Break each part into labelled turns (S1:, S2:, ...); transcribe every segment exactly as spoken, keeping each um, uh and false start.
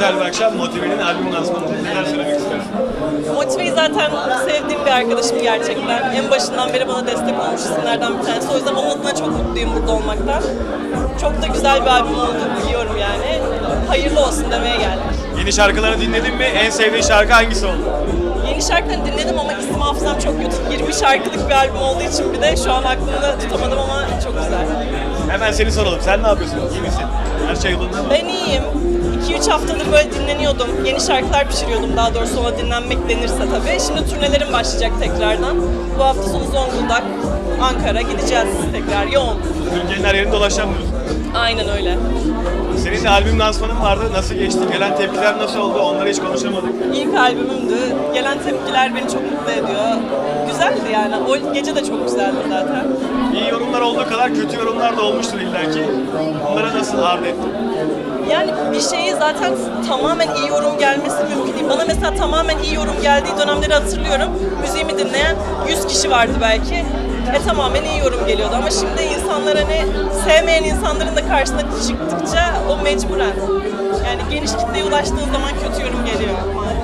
S1: güzel bir akşam. Motive'nin albüm lansmanında neler söylemek istersin?
S2: Motive'yi zaten sevdiğim bir arkadaşım gerçekten. En başından beri bana destek olmuş isimlerden bir tanesi. O yüzden onun adına çok mutluyum burada olmaktan. Çok da güzel bir albüm olduğunu biliyorum yani. Hayırlı olsun demeye geldik.
S1: Yeni şarkılarını dinledin mi? En sevdiğin şarkı hangisi oldu?
S2: Yeni şarkılarını dinledim ama isim hafızam çok kötü. yirmi şarkılık bir albüm olduğu için bir de şu an aklımda tutamadım ama çok güzel.
S1: Hemen seni soralım. Sen ne yapıyorsun? İyi misin? Her şey yolunda mı?
S2: Ben iyiyim. iki üç haftadır böyle dinleniyordum. Yeni şarkılar pişiriyordum daha doğrusu, ona dinlenmek denirse tabii. Şimdi turnelerim başlayacak tekrardan. Bu hafta sonu Zonguldak, Ankara gideceğiz tekrar yoğun.
S1: Türkiye'nin her yerinde dolaşamıyorsun.
S2: Aynen öyle.
S1: Senin de albüm lansmanın vardı. Nasıl geçti? Gelen tepkiler nasıl oldu? Onları hiç konuşamadık.
S2: İlk albümümdü. Gelen tepkiler beni çok mutlu ediyor. Güzeldi yani. O gece de çok güzeldi zaten.
S1: İyi yorumlar olduğu kadar kötü yorumlar da olmuştur illaki. Onlara nasıl ard ettin?
S2: Yani bir şeyi zaten tamamen iyi yorum gelmesi mümkün değil. Bana mesela tamamen iyi yorum geldiği dönemleri hatırlıyorum. Müziğimi dinleyen yüz kişi vardı belki. E tamamen iyi yorum geliyordu ama şimdi insanlar hani sevmeyen insanların da karşısına çıktıkça o mecburen. Yani geniş kitleye ulaştığı zaman kötü yorum geliyor.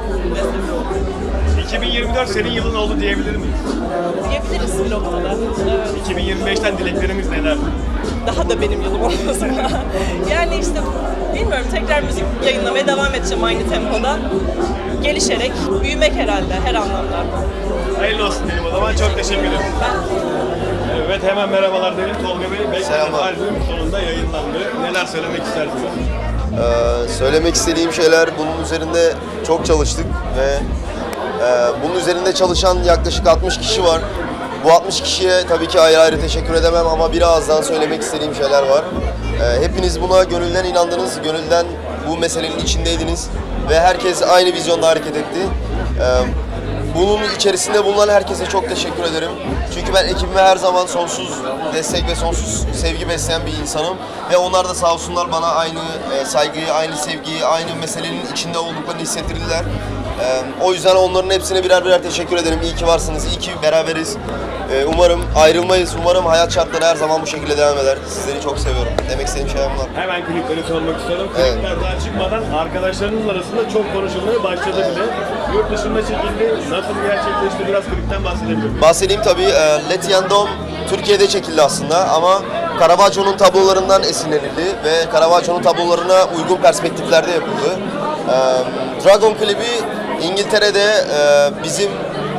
S1: iki bin yirmi dört senin yılın oldu diyebilir miyiz?
S2: Diyebiliriz bir noktada. Evet.
S1: iki bin yirmi beşten dileklerimiz neler?
S2: Daha da benim yılım olmasın. Yani işte bilmiyorum, tekrar müzik yayınlamaya devam edeceğim aynı tempoda. Gelişerek, büyümek herhalde her anlamda.
S1: Hayırlı olsun diyelim o zaman. Çok teşekkür ederim.
S2: Ben
S1: Evet, hemen merhabalar diyelim. Tolga Bey, beklenen
S3: Selamlar.
S1: albüm sonunda yayınlandı. Neler söylemek istersiniz?
S3: Ee, söylemek istediğim şeyler, bunun üzerinde çok çalıştık ve e, bunun üzerinde çalışan yaklaşık altmış kişi var. Bu altmış kişiye tabii ki ayrı ayrı teşekkür edemem ama birazdan söylemek istediğim şeyler var. Ee, hepiniz buna gönülden inandınız, gönülden bu meselenin içindeydiniz ve herkes aynı vizyonda hareket etti. Ee, Bunun içerisinde bulunan herkese çok teşekkür ederim. Çünkü ben ekibime her zaman sonsuz destek ve sonsuz sevgi besleyen bir insanım. Ve onlar da sağ olsunlar bana aynı e, saygıyı, aynı sevgiyi, aynı meselenin içinde olduklarını hissettirdiler. E, o yüzden onların hepsine birer birer teşekkür ederim. İyi ki varsınız, iyi ki beraberiz. E, umarım ayrılmayız, umarım hayat şartları her zaman bu şekilde devam eder. Sizleri çok seviyorum. Demek istediğim şeyler bunlar.
S1: Hemen klipleri sormak istiyorum.
S3: Evet.
S1: Klipler daha çıkmadan arkadaşlarınız arasında çok konuşulmaya başladı bile. Yurt dışında çekildi. Nasıl gerçekleşti? Biraz klipten bahsedebilir miyim?
S3: Bahsedeyim tabii. E, Let Yandom Türkiye'de çekildi aslında ama Caravaggio'nun tablolarından esinlenildi ve Caravaggio'nun tablolarına uygun perspektiflerde yapıldı. E, Dragon klibi İngiltere'de e, bizim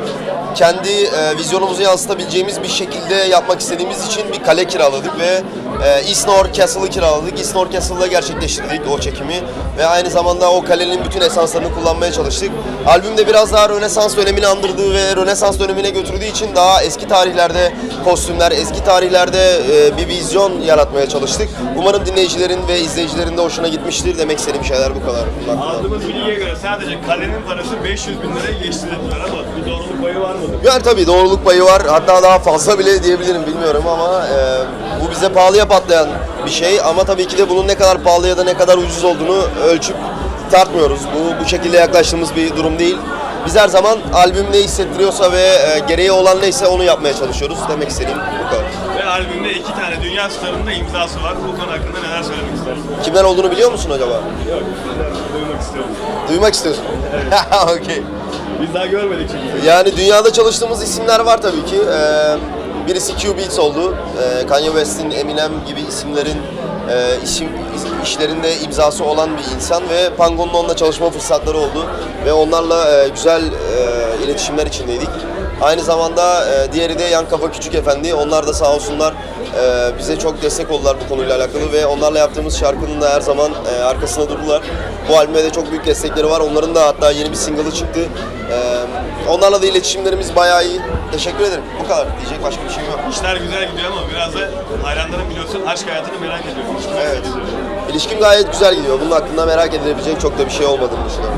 S3: kendi e, vizyonumuzu yansıtabileceğimiz bir şekilde yapmak istediğimiz için bir kale kiraladık ve e, Eastnor Castle'ı kiraladık. Eastnor Castle'da gerçekleştirdik o çekimi ve aynı zamanda o kalenin bütün esanslarını kullanmaya çalıştık. Albümde biraz daha Rönesans dönemini andırdığı ve Rönesans dönemine götürdüğü için daha eski tarihlerde kostümler, eski tarihlerde e, bir vizyon yaratmaya çalıştık. Umarım dinleyicilerin ve izleyicilerin de hoşuna gitmiştir. Demek istediğim şeyler bu kadar. Bunun hakkında.
S1: Aldığımız bilgiye göre sadece kalenin parası beş yüz bin liraya geçti dediler ama bu doğruluk payı var mıdır?
S3: Yani tabii doğruluk payı var. Hatta daha fazla bile diyebilirim, bilmiyorum ama e, bu bize pahalıya patlayan bir şey. Ama tabii ki de bunun ne kadar pahalı ya da ne kadar ucuz olduğunu ölçüp tartmıyoruz. Bu bu şekilde yaklaştığımız bir durum değil. Biz her zaman albüm ne hissettiriyorsa ve e, gereği olan neyse onu yapmaya çalışıyoruz. Demek istediğim bu kadar.
S1: Ve albümde iki tane dünya starının da imzası var. Bu konu hakkında neler söylemek istersin?
S3: Kimler olduğunu biliyor musun acaba?
S1: Yok, bizden duymak istiyorum.
S3: Duymak istiyorsun. Okey.
S1: Biz daha görmedik çünkü.
S3: Yani dünyada çalıştığımız isimler var tabii ki. Ee, birisi Q Beats oldu. Ee, Kanye West'in, Eminem gibi isimlerin e, işim, işlerinde imzası olan bir insan ve Pango'nun onunla çalışma fırsatları oldu. Ve onlarla e, güzel e, iletişimler içindeydik. Aynı zamanda e, diğeri de Yan Kafa Küçük Efendi. Onlar da sağ olsunlar e, bize çok destek oldular bu konuyla alakalı ve onlarla yaptığımız şarkının da her zaman e, arkasında durdular. Bu albüme de çok büyük destekleri var. Onların da hatta yeni bir single'ı çıktı. E, onlarla da iletişimlerimiz bayağı iyi. Teşekkür ederim. Bu kadar. Diyecek başka bir şeyim yok.
S1: İşler güzel gidiyor ama biraz da hayranların biliyorsun aşk hayatını merak ediyorum.
S3: Evet. İlişkim gayet güzel gidiyor. Bunun hakkında merak edilebilecek çok da bir şey olmadığını düşünüyorum.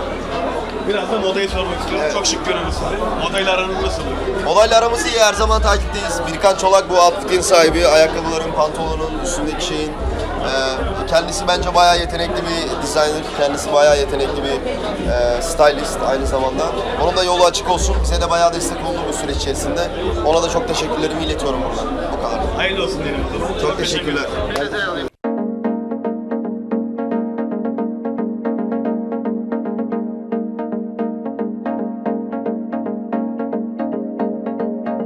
S1: Biraz da modayı sormak istiyorum.
S3: Evet.
S1: Çok şık görünüyor sizi. Modayla aranız nasıl?
S3: Olayla aramız iyi. Her zaman takipteyiz. Birkan Çolak bu outfit'in sahibi. Ayakkabıların, pantolonun, üstündeki şeyin. Ee, kendisi bence bayağı yetenekli bir designer. Kendisi bayağı yetenekli bir e, stylist aynı zamanda. Onun da yolu açık olsun. Bize de bayağı destek oldu bu süreç içerisinde. Ona da çok teşekkürlerimi iletiyorum buradan. Bu kadar.
S1: Hayırlı olsun diyelim o zaman.
S3: Çok teşekkürler.